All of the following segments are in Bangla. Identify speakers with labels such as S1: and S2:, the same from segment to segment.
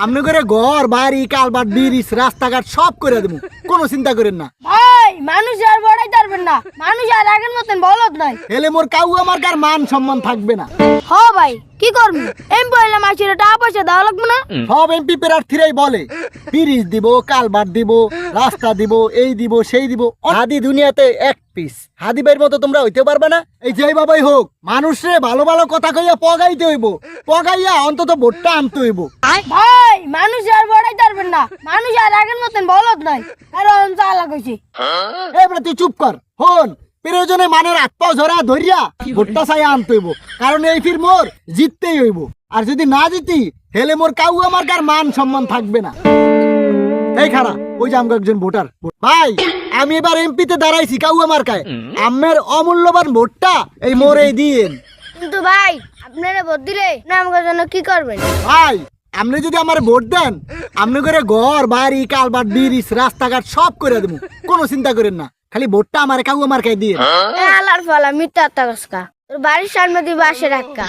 S1: আমনে করে ঘর বাড়ি কালবাট ব্রিজ রাস্তাঘাট সব করে দেবো, কোনো চিন্তা করেন না।
S2: ভাই মানুষ আর বড়াই পারবেন না, মানুষ আর আগের মতন বলদ নাই।
S1: এলে মোর কাউ আমার কার মান সম্মান থাকবে না।
S2: হ ভাই কি করবি, এমপি হইলে মাসির টাকা পয়সা দেওয়া লাগবে না?
S1: সব এমপি প্রার্থীরাই বলে ব্রিজ দিব, কালবাট দিব, রাস্তা দিব, এই দিব সেই দিব। হাদি দুনিয়াতে এক পিস। হাদি ভাইয়ের মতো তোমরা হইতে পারবে না। এই যে বাবাই হোক, মানুষরে ভালো ভালো কথা কইয়া পগাইতে হইব, পগাইয়া অন্তত ভোটটা আনতে হইব।
S2: ভাই মানুষ আর বড়াই পারবেন না, মানুষ আর আগের মতন বলদ নাই। আর চালা কইছি।
S1: এবারে তুই চুপ কর। হন প্রয়োজনে মানের হাত পাও ঝরা ধরিয়া ভোটটা চাই আনতে হইব, কারণ এই ফির মোর জিততেই হইব। আর যদি না জিতি হেলে মোর কাউ আমার কার মান সম্মান থাকবে না। এই খারা ওই যে আমগো একজন ভোটার। ভাই আমি এবার এমপিতে দাঁড়াইছি কাউ আমার কায়, আমের অমূল্যবান ভোটটা এই মোরে দিয়েন।
S2: কিন্তু ভাই আপনারা ভোট দিলে না আমাদের জন্য কি করবেন?
S1: ভাই আপনি যদি আমার ভোট দেন, আপনি করে ঘর বাড়ি কালবাট ব্রিজ রাস্তাঘাট সব করে দেবো, কোনো চিন্তা করেন না। খালি ভোটটা আমার কাউ আমার কায় দিয়ে।
S2: আলার ফালা মিথ্যা তাকসকা, তোর বাড়ির সামনে দিয়ে বাসে রাখা।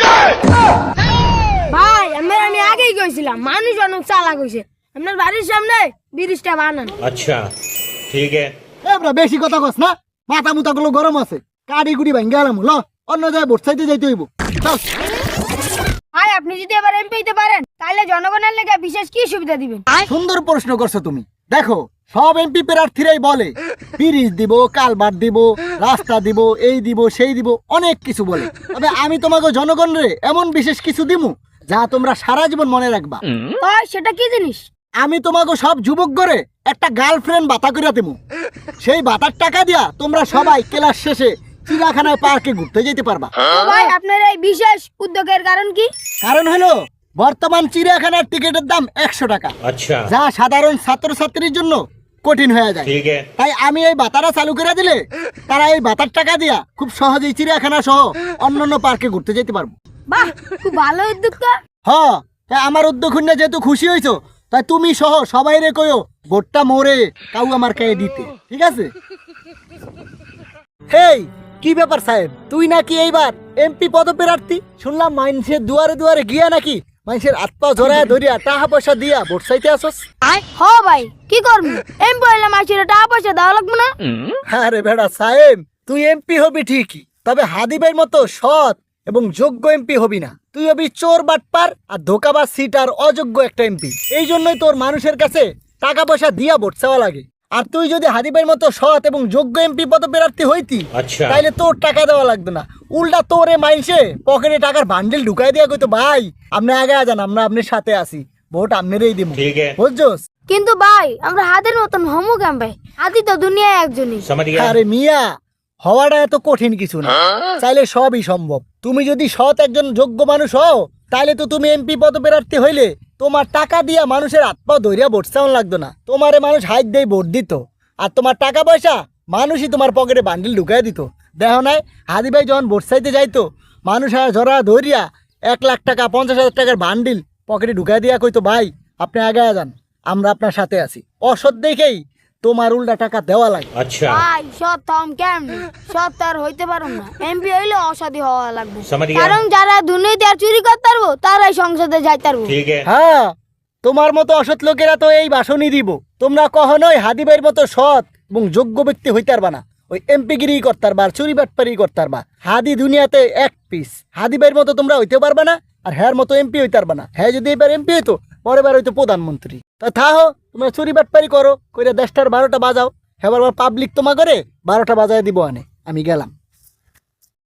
S2: ভাই আমি আগেই কইছিলাম মানুষ অনেক চালাক হইছে। আপনার বাড়ির সামনে ব্রিজটা বানান।
S3: अच्छा ठीक है।
S1: এবার বেশি কথা কস না, মাথা মুথা গুলো গরম আছে। কাড়ি গুড়ি ভাঙ্গে গেলাম, ল অন্য জায়গায় ভোট চাইতে যাইতে হইব। চল।
S2: ভাই আপনি যদি এবার এমপি হইতে পারেন তাহলে জনগণের লেগে বিশেষ কি সুবিধা দিবেন?
S1: সুন্দর প্রশ্ন করছো তুমি। দেখো সব এমপি প্রার্থীরাই বলে ব্রিজ দিব, কালবাট দিব, রাস্তা দিব, এই দিব সেই দিব, অনেক কিছু বলে। তবে আমি তোমাকে জনগণরে এমন বিশেষ কিছু দিমু যা তোমরা সারা জীবন মনে রাখবা।
S2: ভাই সেটা কি জিনিস?
S1: আমি তোমাকে সব যুবক করে একটা গার্লফ্রেন্ড বাতা করে দেবো। সেই বাতার টাকা দিয়া তোমরা সবাই ক্লাস শেষে চিড়িয়াখানায় পার্কে ঘুরতে যেতে পারবা।
S2: ভাই আপনার এই বিশেষ উদ্যোগের কারণ কি?
S1: কারণ হলো বর্তমান চিড়িয়াখানার টিকিটের দাম 100 টাকা,
S3: अच्छा
S1: যা সাধারণ ছাত্রছাত্রীর জন্য কঠিন হয়ে যায়।
S3: ठीक है।
S1: তাই আমি এই বাতাটা চালু করে দিলে তারা এই বাতার টাকা দিয়া খুব সহজেই চিড়িয়াখানা সহ অন্যান্য পার্কে ঘুরতে যেতে পারবো।
S2: বাহ খুব ভালো উদ্যোগ তো।
S1: তাই আমার উদ্যোগ নিয়ে যেহেতু খুশি হইছো, তাই তুমি সহ সবাই রে কইও ভোটটা মোরে কাউ আমার কাছে দিতে, ঠিক আছে? হেই কি ব্যাপার সাহেব, তুই নাকি এইবার এমপি পদপ্রার্থী? শুনলাম মানুষের দুয়ারে দুয়ারে গিয়া নাকি মানুষের হাত পা জড়ায় ধরিয়া টাকা পয়সা দিয়া ভোট চাইতে আসস।
S2: হ ভাই কি করবি, এমপি হইলে মাসির টাকা পয়সা দেওয়া লাগবে না?
S1: আরে বেড়া সাহেব, তুই এমপি হবি ঠিকই, তবে হাদিবের মতো সৎ এবং যোগ্য এমপি হবি না। তুই হবি চোর বাটপার আর ধোকাবাজ সিটার অযোগ্য একটা এমপি। এই জন্যই তোর মানুষের কাছে টাকা পয়সা দিয়া ভোট চাওয়া লাগে। আর তুই যদি হাদিবের মতো সৎ এবং যোগ্য এমপি পদপ্রার্থী হইতি,
S3: আচ্ছা।
S1: তাইলে তোর টাকা দেওয়া লাগতো না। উল্টা তোরে মাইসে পকেটে টাকার বান্ডেল ঢুকাই দিয়া কইতো ভাই আপনি আগে যান, আমরা আপনার সাথে আসি, ভোট আপনারই দিব,
S3: ठीक है
S1: বুঝছস?
S2: কিন্তু ভাই আমরা হাতের মতন হমু কেন ভাই? হাতি তো দুনিয়ায় একজনই।
S3: समझ गया।
S1: আরে মিয়া, হওয়াটা এত কঠিন কিছু না, চাইলে সবই সম্ভব। তুমি যদি সৎ একজন যোগ্য মানুষ হও, তাহলে তো তুমি এমপি পদপ্রার্থী হইলে তোমার টাকা দিয়া মানুষের হাত পা ধরিয়া ভোট চাওয়ান লাগতো না। তোমারে মানুষ হাত দিয়ে ভোট দিত, আর তোমার টাকা পয়সা মানুষই তোমার পকেটে বান্ডিল ঢুকাই দিত। দেখো নাই হাদি ভাই যখন ভোট চাইতে যাইতো, মানুষ আর জরা ধরিয়া 1 লাখ টাকা 50,000 টাকার বান্ডিল পকেটে ঢুকাই দিয়া কইতো ভাই আপনি আগে যান, আমরা আপনার সাথে আছি। অসৎ দেখেই তোমার উল্টা টাকা দেওয়া লাগে।
S3: अच्छा
S2: ভাই সৎ থাম কেমনি? সৎ আর হইতে পারো না, এমপি হইলে অসাধি হওয়া লাগবে।
S3: समझ गया।
S2: কারণ যারা দুর্নীতি আর চুরি করতে পারবো তারাই সংসদে যাইতে পারবো।
S3: ठीक है।
S1: হ্যাঁ, তোমার মতো অসৎ লোকেরা তো এই ভাষণই দিব। তোমরা কখনোই হাদিবের মতো সৎ এবং যোগ্য ব্যক্তি হইতে পারবা না। ওই এমপিগিরি করতে পারবা, চুরি বাটপারি করতে পারবা। হাদি দুনিয়াতে এক পিস। হাদিবের মতো তোমরা হইতে পারবা না, আর হ্যার মতো এমপি হইতে পারবা না। হ্যাঁ যদি এবার এমপি হইতো, পরের বার হইতো প্রধানমন্ত্রী। তা থাহো, তোমরা চুরি বাটপারি করো, কইরা 10টার 12টা বাজাও, হ্যাঁ পাবলিক তোমা করে 12টা বাজায় দিব। আমি গেলাম।